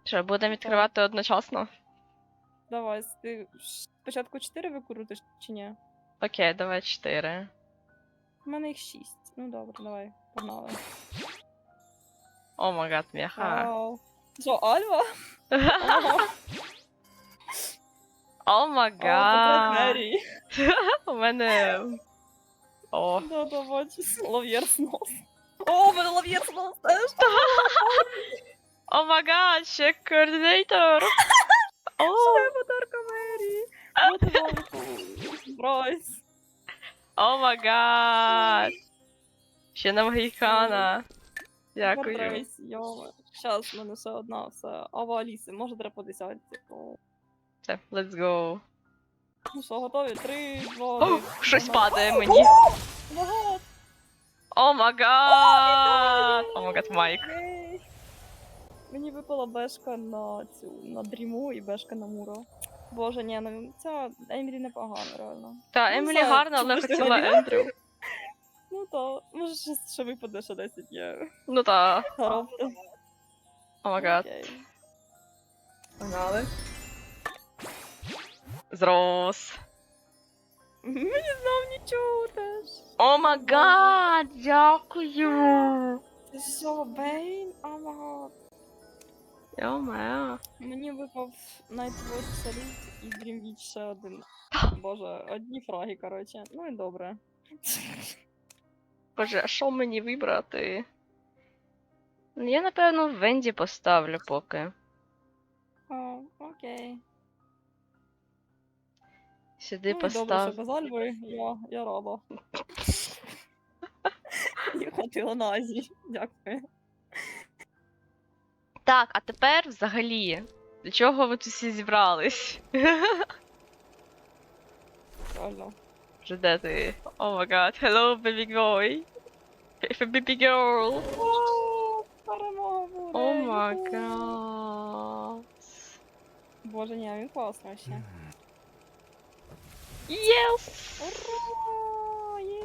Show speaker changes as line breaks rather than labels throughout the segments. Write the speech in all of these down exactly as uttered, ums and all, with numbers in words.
Що, будемо відкривати одночасно?
Давай, ти спочатку чотири викрутиш чи ні?
Окей, давай чотири.
У мене їх шість. Ну добре, давай, погнали.
О май гад, м'яха.
Вау. Що, Альва?
О май
О, портрет
гад.
Мері.
У мене... О.
Да, да, бачу. Лав'єр снос. О, у мене лав'єр снос теж.
О май гад, ще координатор. О,
Це подарка Мері. Вот і вам. Брайс.
о май гад. Ще на Магікана. Дякую.
Брайс, йома. Щас, в мене ще одна, все. А в Аліси, може треба по десятці. О.
Все, let's go.
Ну що, готові? Три, два,
О,
один.
щось
Погнали.
падає мені.
Багато.
О май гад. О май гад, Майк.
Єй. Мені випала бешка на цю, на дріму і бешка на муро. Боже, ні, ну ця Емілі непогана, реально.
Та,
Ну,
Емілі
знаю,
гарна, але
чому ж ти
хотіла
говорила?
Ендрю.
Ну то, може щось ще випаде, ще десять є.
Ну та.
Горобка.
О май гад.
Окей.
Погнали. Зрос.
Мені знов нічого теж.
О май гад, дякую.
Це що, Бейн? О май гад.
Йо-моє.
Мені випав Nightwatch Salute і Dreamwitch ще один. Боже, одні фраги, коротше. Ну і добре.
Боже, а що мені вибрати? Ну, я, напевно, Венді поставлю поки.
О, окей.
Сюди
Ну і добре,
постав.
що без Альви, я, я рада. Я хотіла на Азії. Дякую.
Так, а тепер взагалі. До чого ви тут всі зібрались?
Правильно.
Вже де ти? О май гад, hello baby boy. Baby girl.
О, перемога буде.
О май
юху.
гад.
Боже, ні, він класний ще.
Yes!
Ура! Є!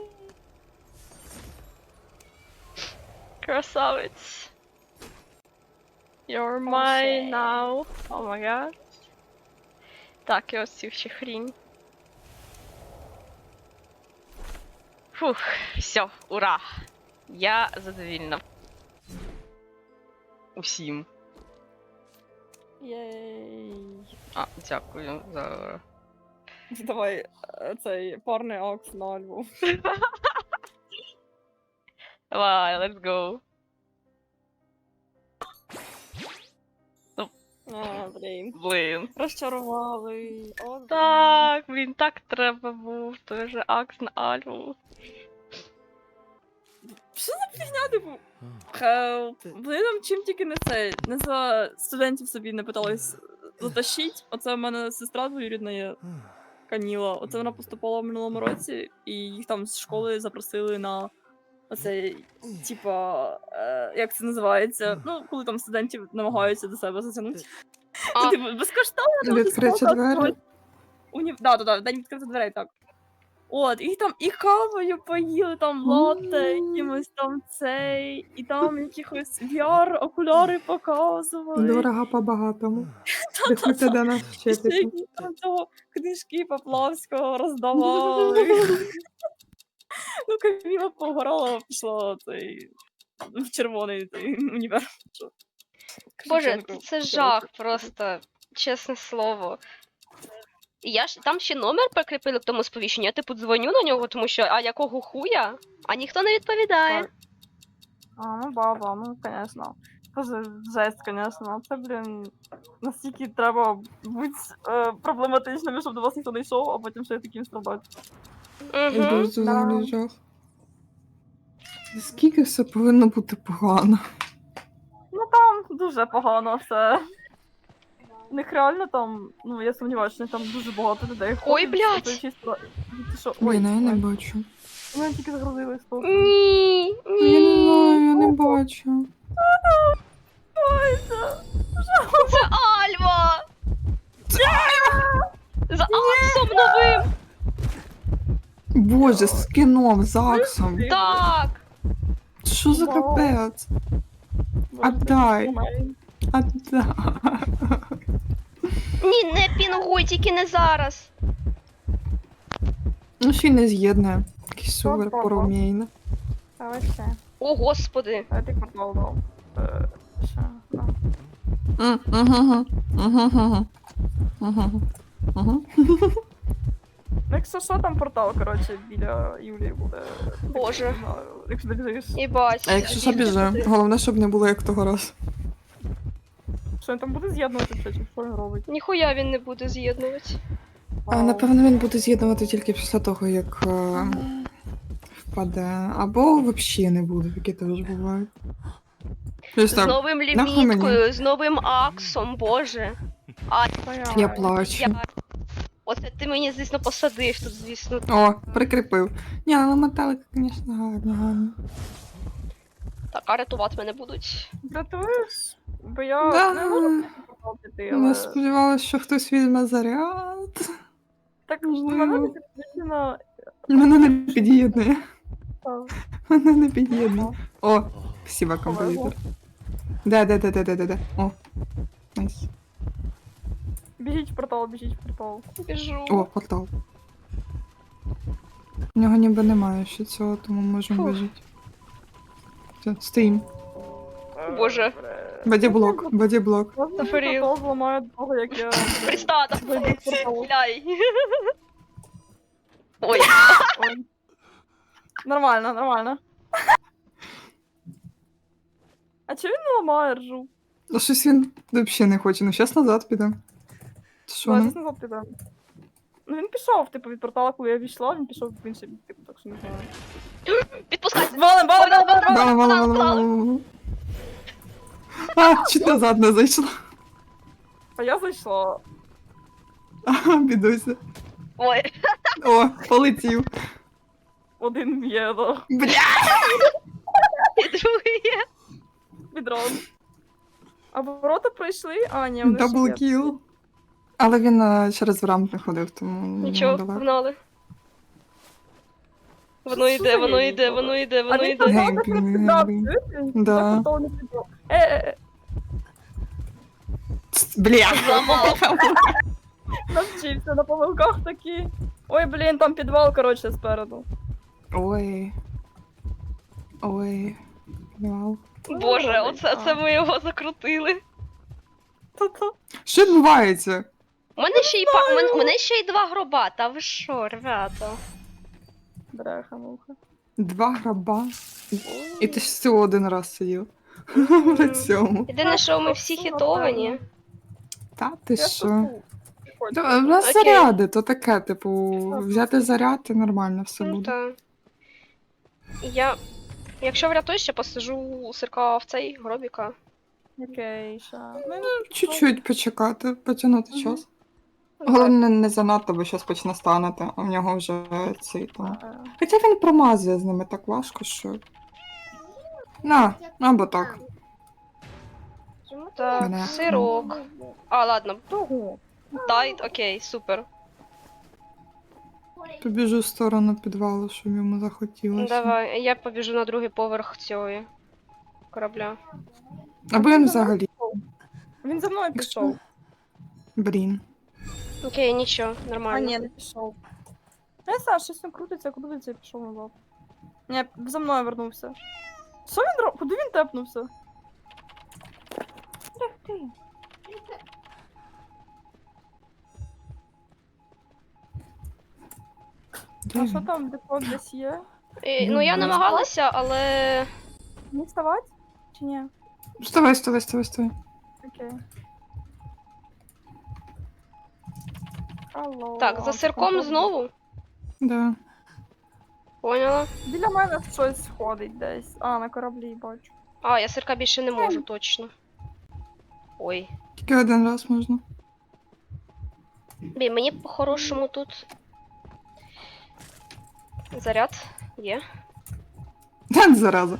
Красавець. You're
Окей.
mine now. О май гад. Так, і ось цю ще хрінь. Фух, все, ура! Я задовільна. Усім.
Єй!
А, дякую за.
Давай е, цей парний акс на Альву.
Давай, let's go.
А, блін.
Блін.
Розчарували. О,
Так, блін, так треба був. Той же акс на Альву.
Що за фігня, типу? Хелп. Вони там чим тільки не це, не за студентів собі не питались затащить. Оце в мене сестра двоюрідна є, Каніла. Оце вона поступала в минулому році, і їх там з школи запросили на оцей, типа, е, як це називається? Ну, коли там студентів намагаються до себе затягнути.
А.
Ну, типу, безкоштовно.
Відкриті двері?
Уні... Да, да, да, день відкритих дверей, так. От, і там і кавою поїли, там латте, якимось там цей, і там якихось ві ар-окуляри показували.
Дорого по-багатому. Приходьте до нас
І ще
вчитися.
якісь там того книжки Поплавського роздавали. Ну, Каміла погорала, пішла цей, в червоний цей універ.
Боже,
Шевченко.
це жах просто, чесне слово. І Я ж там ще номер прикріпили к тому сповіщенню, я типу дзвоню на нього, тому що а якого хуя? А ніхто не відповідає.
Так. А, ну баба, ну, конечно. Тоже жесть, конечно. Це, блін, настільки треба бути е, проблематичними, щоб до вас ніхто не йшов, а потім ще й таким страдати.
Угу.
Дуже взагалі жах. Скільки все повинно бути погано?
Ну там дуже погано все. У них реально там, ну я сумніваюся, що там дуже багато людей ходить.
Ой, блядь!
Це чисто... Що?
Ой, ну я не
ой.
бачу.
Мене тільки загрузились просто.
Ні,
Ну, я не знаю, я не бачу.
Ой, це...
Це Альва! За Аксом новим!
Боже, з кіном, з Аксом.
Так!
Що за
Вау.
капець?
Боже,
Отдай.
це нормально.
А так.
Ні, не пінгуй, тільки не зараз.
Ну, ще й не з'єднує. Якийсь супер
Ого.
порумійно.
А вообще.
О, господи.
А ти портал дав. Е, Що? Ну, якщо що, там портал, коротше, біля Юлії буде.
Боже.
Не знаю, якщо ти біжиш.
Їбать.
А якщо що,
Бігти
біжи.
туди.
Головне, щоб не було як того разу.
Що він там буде з'єднувати все, чи що він робить?
Ніхуя він не буде з'єднувати.
А, напевно, він буде з'єднувати тільки після того, як е, впаде. Або взагалі не буде, такі теж бувають. Ось
З
так,
новим
нахуй
ліміткою, з новим аксом, боже. А,
я плачу.
я... Оце ти мені, звісно, посадив тут, звісно.
О, прикріпив. Ні, але металики, звісно, гарні, гарні.
Так, а рятувати мене будуть.
Дратуєш? Бо я
Да.
не можу портал піти, але...
Я сподівалася, що хтось візьме заряд.
Так,
Можливо.
мене не підвищено...
Мене не під'єднує.
Та,
Мене не під'єднує. О, спасибо,
Повезло.
композитор. Де, де, де, де, де, де, де. О. Найс.
Біжіть в портал, біжіть в портал.
Біжу.
О, портал. У нього ніби немає ще цього, тому можемо
Фух.
вижити. Все, стоїм.
Боже.
Бодіблок, бодіблок.
Можна
Зафарів.
портал зламаю до того, як я...
Пристада.
Зайду в портал.
Бляй. Ой,
Ой. Нормально, нормально. А чого він не ламає ржу?
А щось він взагалі не хоче. Ну, зараз назад підемо. Що
Давай,
ну?
десь назад підемо. Ну він пішов, типу, від портала, коли я війшла, він пішов в інший бік, типу, так що не знаю.
підпускайся.
Валим, валим, валим, валим!
Мало, мало, мало, мало, мало. А, чуть назад не зайшла.
А я зайшла.
А, бідуся.
Ой,
О, полетів.
Один м'є, да.
Бля!
і другий є.
Відрон. А ворота пройшли? А, ні, вони ще
Дабл
є.
кіл. Але він е, через рамп не ходив, тому
Нічого,
далеко.
погнали. Воно
Що
йде,
за
воно
є
йде,
ніколи?
воно йде,
А
воно
він
йде.
портал
Геймплей,
так не піддав,
геймплей.
чуєте?
Да.
Так портал не піддав. Е, е, е,
Ц, Бля!
Зламав.
навчився на помилках такі. Ой, блін, там підвал, коротше, спереду.
Ой. Ой. Вау.
Боже, оце це ми його закрутили.
Та-та.
Що відбувається?
У мене ще й па... у мене, у мене ще й два гроба, та ви що, ребята?
Бляха, муха.
Два граба. І ти ж всього один раз сидів. На цьому.
Єдине, що ми всі хітовані.
Та ти
Я
що?
шутку. Приходь.
Та, в нас
Окей.
заряди, то таке, типу, взяти заряд і нормально все
Ну
буде.
та. Я. Якщо врятуюсь, ще посижу у сирка в цей гробіка.
Окей, ша.
Чуть-чуть почекати, потягнути
Мгм.
час. Головне, не занадто, бо щось почне станати, а в нього вже цей там. Хоча він промазує з ними так важко, що. На, або так.
Так,
Мене.
сирок. А, ладно,
Того.
дай, окей, супер.
Побіжу в сторону підвалу, щоб йому захотілося.
Давай, я побіжу на другий поверх цього корабля.
Або він взагалі.
Він за мною пішов.
Блін.
Окей, нічого,
А,
нормально.
ні, не пішов. Я Саш, щось він крутиться, крутиться і пішов назад. Ні, за мною вернувся. Що він робить? Куди він тепнувся? Ех ти.
Де
А що
він?
там, депо десь є?
І, ну я намагалася, але.
Не вставати? Чи ні?
Вставай, вставай, вставай, вставай.
Окей. Алло.
Так, за сирком знову.
Да.
Поняла.
Біля мене щось ходить десь. А, на кораблі бачу.
А, я сирка більше не можу, точно. Ой.
Тільки один раз можна.
Блін, мені по-хорошому тут. Заряд є.
Та зараза.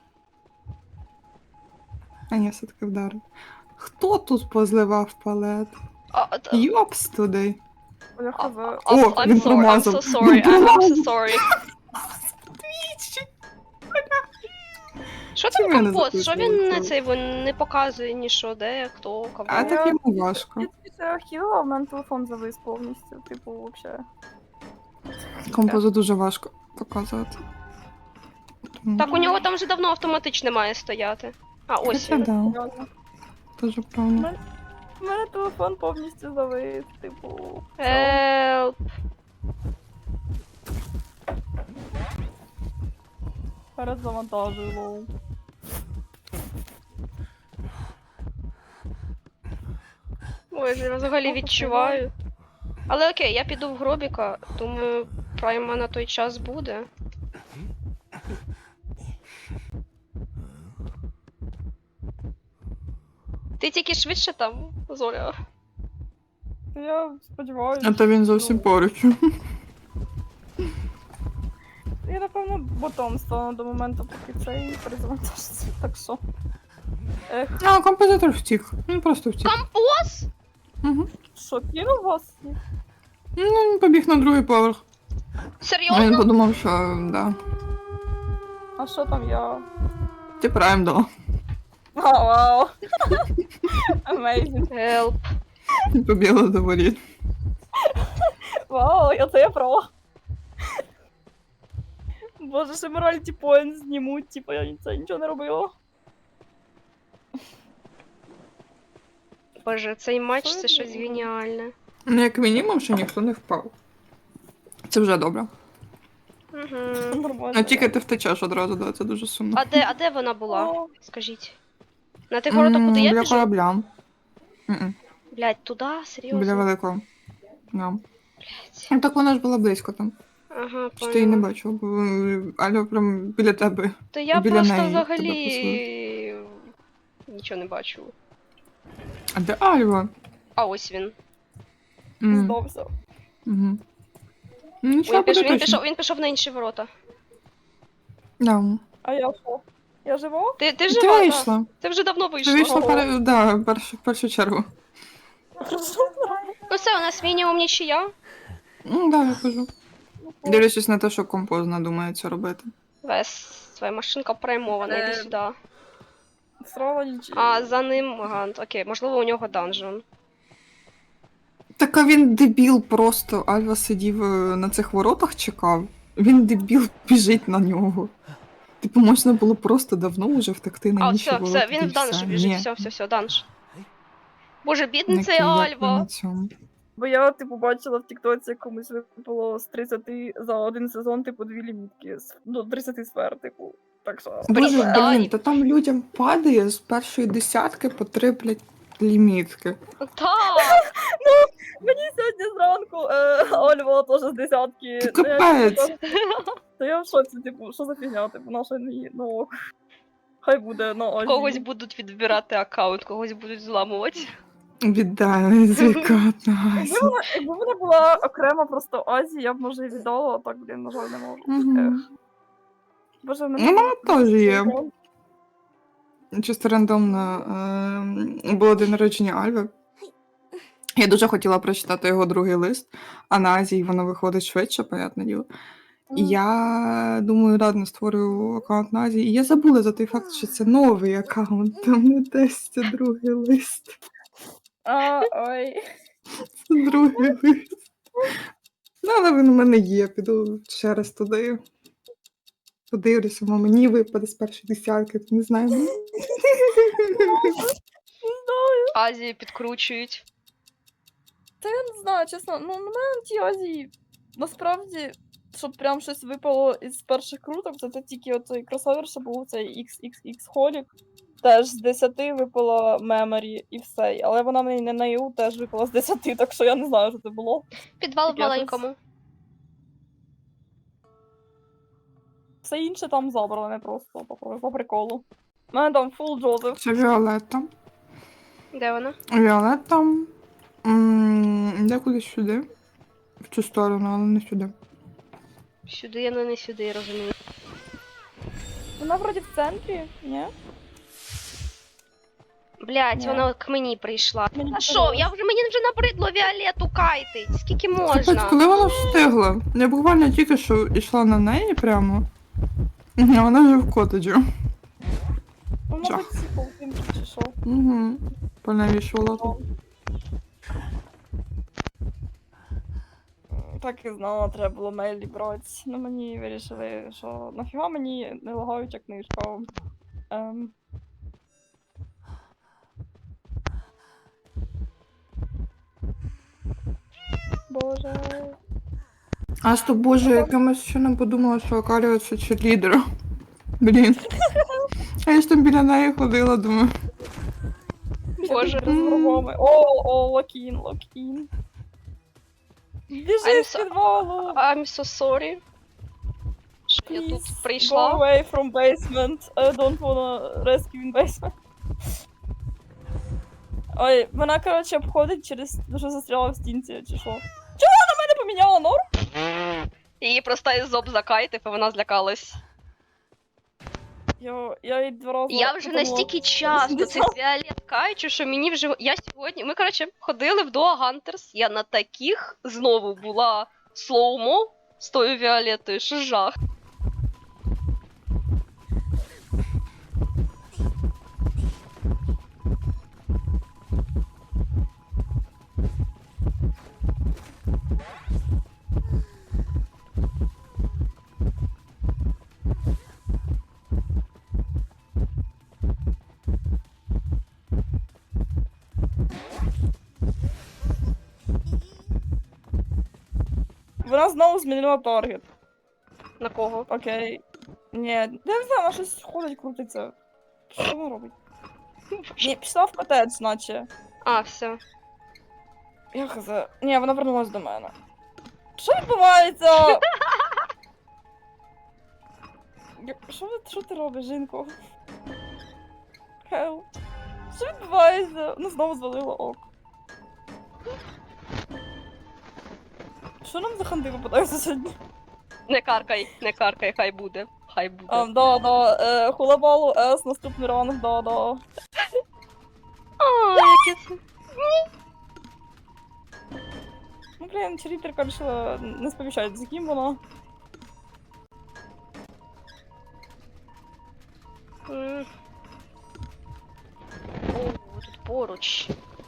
А ні, все-таки вдарив. Хто тут позливав палет?
А, т-
Йопс туди.
Я
а,
хз.
а,
О,
I'm
він
sorry, I'm
промазав.
so sorry,
Він
I'm, I'm so
промазав.
sorry. Що
Чим
там
я не
компост? Що він
записую
не
це?
цей він не показує ні що, де, хто, кого.
А так йому важко.
Я тобі це архівила, в мене телефон завис повністю, типу, вообще.
Композу дуже важко показувати. Тому-
Так у нього там вже давно автоматично має стояти. А, ось
Хоча
він.
да,
Серйозно.
дуже правильно.
У мене телефон повністю завис, типу.
Help.
Перезавантажую, лоу.
Ой, я взагалі відчуваю. Але окей, я піду в гробіка, думаю, прайма на той час буде. Ти тільки швидше там, Зоря.
Я сподіваюся.
А то він зовсім поруч.
Я, напевно, ботом стану до моменту, поки цей перезавантажиться, так що. Ех,
А, композитор втік. Він просто втік.
Композ?
Угу.
що, кинув вас?
Ну, він побіг на другий поверх. А він
Серйозно?
подумав, що да.
А що там я?
Ти прайм дала.
А, вау. Amazing.
Help.
Побігла до воріт.
Вау, я це я права. Боже, ще моральті поінт знімуть, типу я це нічого не робила.
Боже, цей матч
Що
це
я
щось
думала?
геніальне.
Ну, як мінімум, що ніхто не впав. Це вже добре.
Угу.
Нормально.
А тільки ти втечеш одразу, да, це дуже сумно.
А де, а де вона була?
О,
Скажіть. На тих воротах, куди
М,
я
Біля
біжу?
корабля. М-м,
Блять, туди? Серйозно?
Біля великого. Да.
Блядь.
Ну так вона ж була близько там.
Ага,
Чи ти її не
поняла.
бачив, бо е, Аля прям біля тебе.
То я
біля
просто
неї тебе
взагалі нічого не бачу.
А де Альва?
А ось він.
М,
здався.
мгм. Ну, нічого,
Він, піш...
буде
він,
точно.
пішов, він пішов на інші ворота.
Да.
А я що? Я жива?
Ти, ти
Ти
жива, да?
вийшла.
Ти вже давно
Ти
вийшла.
вийшла
Ого.
пер... да, перш... в першу чергу.
Ну все, у нас мінімум нічия.
Ну, да, я кажу. Дивлячись на те, що композ надумається робити.
Вес, твоя машинка праймована, іди
Е,
сюди.
Срала нічого.
А за ним Гант. Окей, можливо, у нього данжон.
Так а він дебіл просто. Альва сидів е, на цих воротах, чекав. Він дебіл біжить на нього. Типу, можна було просто давно вже втекти на
А,
інші
все,
ворота.
все, він
і
в данж
все.
біжить,
Ні,
все, все, все, данж. Боже, бідний
не
цей
кияк
Альва.
на цьому.
Бо я, типу, бачила в Тіктоці комусь випало з тридцяти за один сезон, типу, дві лімітки. з- Ну, тридцять сфер, типу. Так що.
Боже,
Пристань.
блін, та там людям падає з першої десятки по три, блядь, лімітки.
Так!
Мені сьогодні зранку е, Ольва теж з десятки.
Ти
Ну, я,
капець.
типу, То я в шоці, типу, що за фігня, типу, наша не ну. ок. Хай буде, ну, ось.
Когось будуть відбирати аккаунт, когось будуть зламувати.
Віддай звікат на
Якби
Азі.
вона, якби вона була окремо просто Азії, я б може і віддала, а так, блін, на жаль, не можу.
Мгм.
Боже, в
Ну,
мене
вона теж є. Чисто рандомно е, було день народження Альви. Я дуже хотіла прочитати його другий лист, а на Азії воно виходить швидше, понятне діло. І я думаю, ладно, створюю аккаунт на Азії. І я забула за той факт, що це новий аккаунт, там не десь це другий лист.
А, ой.
Це другий лист. Ну, але він у мене є, піду ще раз туди. Подивлюся, мо мені випаде з першої десятки, не знаю.
Не знаю.
Азії підкручують.
Та я не знаю, чесно, ну на мене на тій Азії насправді, щоб прям щось випало із перших круток, то це тільки оцей кросовер, що був цей ікс ікс ікс Holic. Теж з десяти випала Memory і все. Але вона мені не на ю теж випала з десяти, так що я не знаю, що це було.
Підвал в
Таке щось.
маленькому.
Все інше там забране просто по, по приколу. У мене там фул Джозеф.
Це Віолетта.
Де вона?
Віолетта. м, Де кудись сюди. В цю сторону, але не сюди.
Сюди, але не сюди, я розумію.
Вона вроді в центрі, ні?
Блять,
Ні.
вона к мені прийшла.
Мені
А що,
подобалось.
я вже мені вже набридло Віолетту кайтить. Скільки
Капець,
можна?
коли вона встигла? Я буквально тільки що йшла на неї прямо. А вона вже в котеджі. Жах.
мабуть, ці паутинки чи що.
Угу. Понавішувала тут.
Так і знала, треба було мейлі брати. Ну мені вирішили, що нафіга мені не лагаюча книжка. Ем... Боже.
А що, боже, якимось чином подумала, що Акалія це черлідер. Блін. А я ж там біля неї ходила, думаю.
Боже.
З врагами. О, о, локін, локін.
I'm
Біжи з
so-
підвалу.
I'm so sorry. Що я тут
Please, Go
прийшла.
away from basement. I don't wanna rescue in basement. Ой, вона, коротше, обходить через те, що застряла в стінці, чи що. Чого вона мене поміняла норм?
Її просто із зоб закайтив, і вона злякалась.
Я, я їй два рази...
Я вже
подумала,
настільки часто цей фіолет кайчу, що мені вже. Я сьогодні. Ми, коротше, ходили в Дуа Гантерс. Я на таких знову була слоумо з тою Віолетою, що жах.
Вона знову змінила таргет.
На кого?
Окей. Ні, я не знаю, вона щось ходить, крутиться. Що вона робить? Ні, пішла в котедж, наче.
А, все.
Я хз. Ні, вона вернулась до мене. Що відбувається? Я- Що, ви- що ти робиш, жінко? Хел. Що відбувається? Ну знову звалила ок. Що нам за ханди випадаються сьогодні?
Не каркай, не каркай, хай буде. Хай буде.
А, да, да, е, хулабалу, С, наступний ранок, да, да.
А, яке це.
Ну, блін, чарітерка вирішила не сповіщати, з яким вона.
М. О, тут поруч.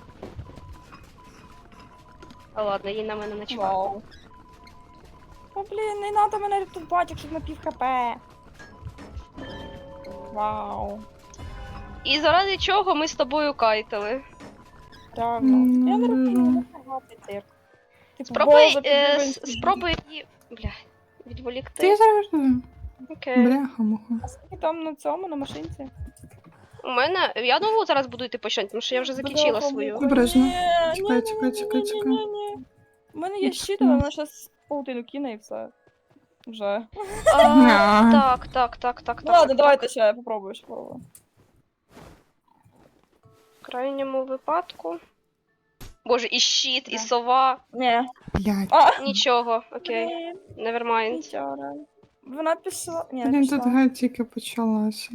А ладно, їй на мене не чекає.
Вау. О, блін, не надо мене рятувати, якщо на пів хп. Вау.
І заради чого ми з тобою кайтили?
Реально. Я не
М,
розумію,
ну.
не багатий цирк. Типу,
Спробуй,
база,
е,
підвищення.
с- спробуй її. Бля, відволікти.
Ти завжди.
Окей.
Бляха, муха.
А скільки там на цьому, на машинці?
У мене. Я нову зараз буду йти по щось, тому що я вже закінчила
Бляха,
свою.
муха.
Обережно.
Ні,
Чекай,
ні,
чекай,
ні,
чекай,
ні,
чекай.
ні, ні. У мене є щит, але вона щас паутину кине і все. Вже.
А,
Ня.
так, так, так, так,
Ну
так.
ладно, давайте ще я попробую, ще попробую.
В крайньому випадку. Боже, і щит, і
Да.
сова.
Ні.
Блядь.
А,
Нічого, окей.
блін,
Nevermind.
нічого. Вона пішла. Ні, не
Блін,
пішла.
тут гра тільки почалася.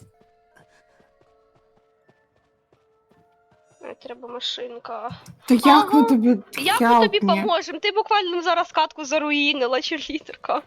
Ай, треба машинка.
Та як
Ага.
ми тобі
Як ми тобі
help me?
поможемо? Ти буквально зараз катку заруїнила, черлітерка.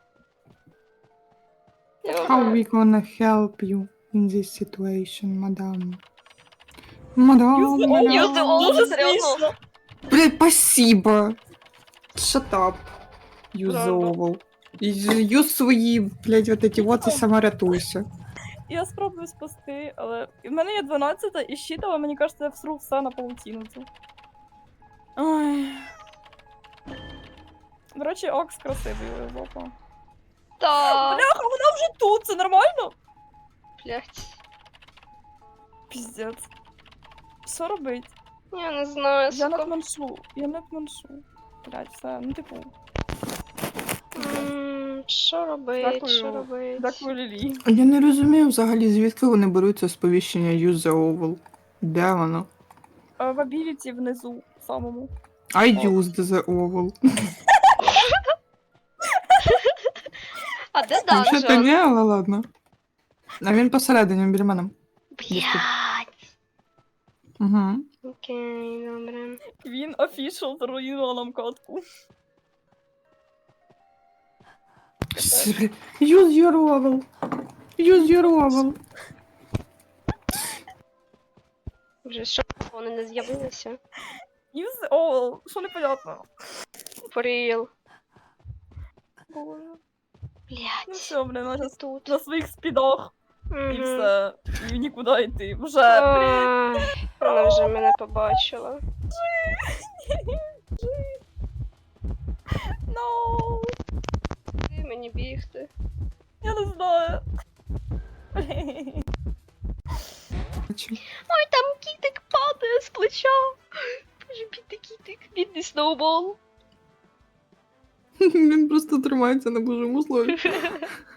How we gonna help you in this situation, мадам? Мадам,
Use the
мадам.
Use the all.
Дуже
все одно.
смішно.
Блядь, спасибо. Shut up.
Правда.
Юзовал. Юз свої, блядь, вот эти вот і саморятуйся.
Я спробую спасти, але в мене є дванадцята і щит, але мені кажеться, я всру все на паутину цю. Ой. До речі, Окс красивий жопа.
Так,
Бляха, вона вже тут, це нормально?
блядь.
Піздець. Що робить?
Я не знаю,
Я не
сука.
планшу, я не планшу. Блядь, все, ну типу,
М, Що робить,
Дякую.
що робить?
дякую Лілі.
Я не розумію взагалі, звідки вони беруться сповіщення Use the oval. Де воно?
Е, В абіліті внизу, самому.
I used the oval.
А де
Взагалі то
данжон?
ні, але ладно. А він посередині, біля мене.
Блядь.
Угу.
Окей, добре.
Він офішал заруїнував нам катку.
Use your oval. Use your oval.
Вже що вони не з'явилися?
І все. О, що непонятно.
For real.
Боже. Ну
Блять.
все, блін, вона зараз
Тут.
на своїх спідах. І
Мгм.
все. І нікуди йти. Вже, блін.
Ай, вона вже мене побачила.
No.
Куди мені бігти?
Я не знаю. Блін.
Бачу.
Ой, там кітик падає з плеча. Боже, бідний кітик, бідний сноубол.
Він просто тримається на божому слові.